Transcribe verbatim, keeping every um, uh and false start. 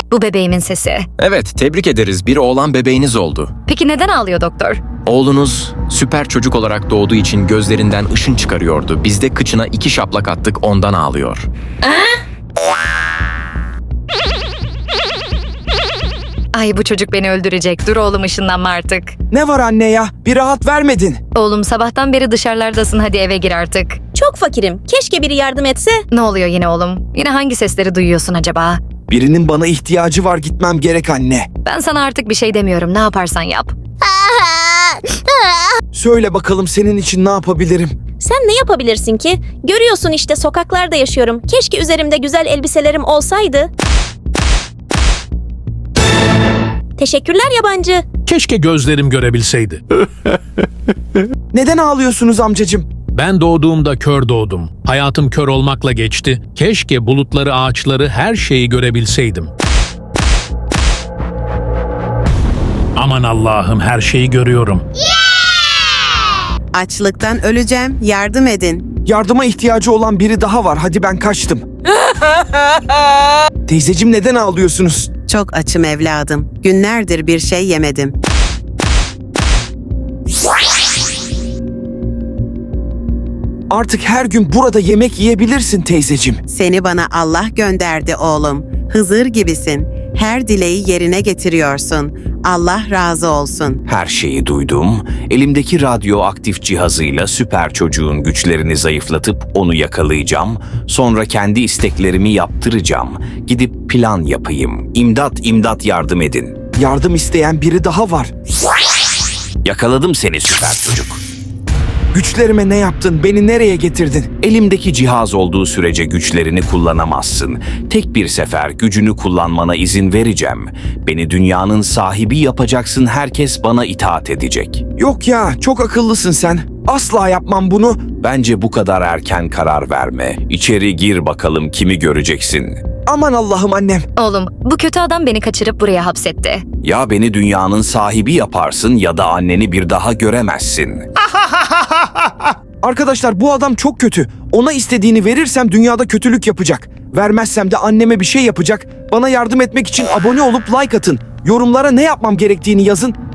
Bu bebeğimin sesi. Evet, tebrik ederiz. Bir oğlan bebeğiniz oldu. Peki neden ağlıyor doktor? Oğlunuz süper çocuk olarak doğduğu için gözlerinden ışın çıkarıyordu. Biz de kıçına iki şaplak attık, ondan ağlıyor. Ay bu çocuk beni öldürecek. Dur oğlum ışınlanma artık. Ne var anne ya? Bir rahat vermedin. Oğlum sabahtan beri dışarılardasın, hadi eve gir artık. Çok fakirim. Keşke biri yardım etse. Ne oluyor yine oğlum? Yine hangi sesleri duyuyorsun acaba? Birinin bana ihtiyacı var, gitmem gerek anne. Ben sana artık bir şey demiyorum. Ne yaparsan yap. Söyle bakalım, senin için ne yapabilirim? Sen ne yapabilirsin ki? Görüyorsun işte, sokaklarda yaşıyorum. Keşke üzerimde güzel elbiselerim olsaydı. Teşekkürler yabancı. Keşke gözlerim görebilseydi. Neden ağlıyorsunuz amcacığım? Ben doğduğumda kör doğdum. Hayatım kör olmakla geçti. Keşke bulutları, ağaçları, her şeyi görebilseydim. Aman Allah'ım, her şeyi görüyorum. Açlıktan öleceğim, yardım edin. Yardıma ihtiyacı olan biri daha var. Hadi ben kaçtım. Teyzeciğim, neden ağlıyorsunuz? Çok açım evladım. Günlerdir bir şey yemedim. Artık her gün burada yemek yiyebilirsin teyzeciğim. Seni bana Allah gönderdi oğlum. Hızır gibisin. Her dileği yerine getiriyorsun. Allah razı olsun. Her şeyi duydum. Elimdeki radyoaktif cihazıyla süper çocuğun güçlerini zayıflatıp onu yakalayacağım. Sonra kendi isteklerimi yaptıracağım. Gidip plan yapayım. İmdat, imdat, yardım edin. Yardım isteyen biri daha var. Yakaladım seni süper çocuk. Güçlerime ne yaptın? Beni nereye getirdin? Elimdeki cihaz olduğu sürece güçlerini kullanamazsın. Tek bir sefer gücünü kullanmana izin vereceğim. Beni dünyanın sahibi yapacaksın, herkes bana itaat edecek. Yok ya, çok akıllısın sen. Asla yapmam bunu. Bence bu kadar erken karar verme. İçeri gir bakalım, kimi göreceksin. Aman Allah'ım annem. Oğlum bu kötü adam beni kaçırıp buraya hapsetti. Ya beni dünyanın sahibi yaparsın ya da anneni bir daha göremezsin. Arkadaşlar, bu adam çok kötü. Ona istediğini verirsem dünyada kötülük yapacak. Vermezsem de anneme bir şey yapacak. Bana yardım etmek için abone olup like atın. Yorumlara ne yapmam gerektiğini yazın.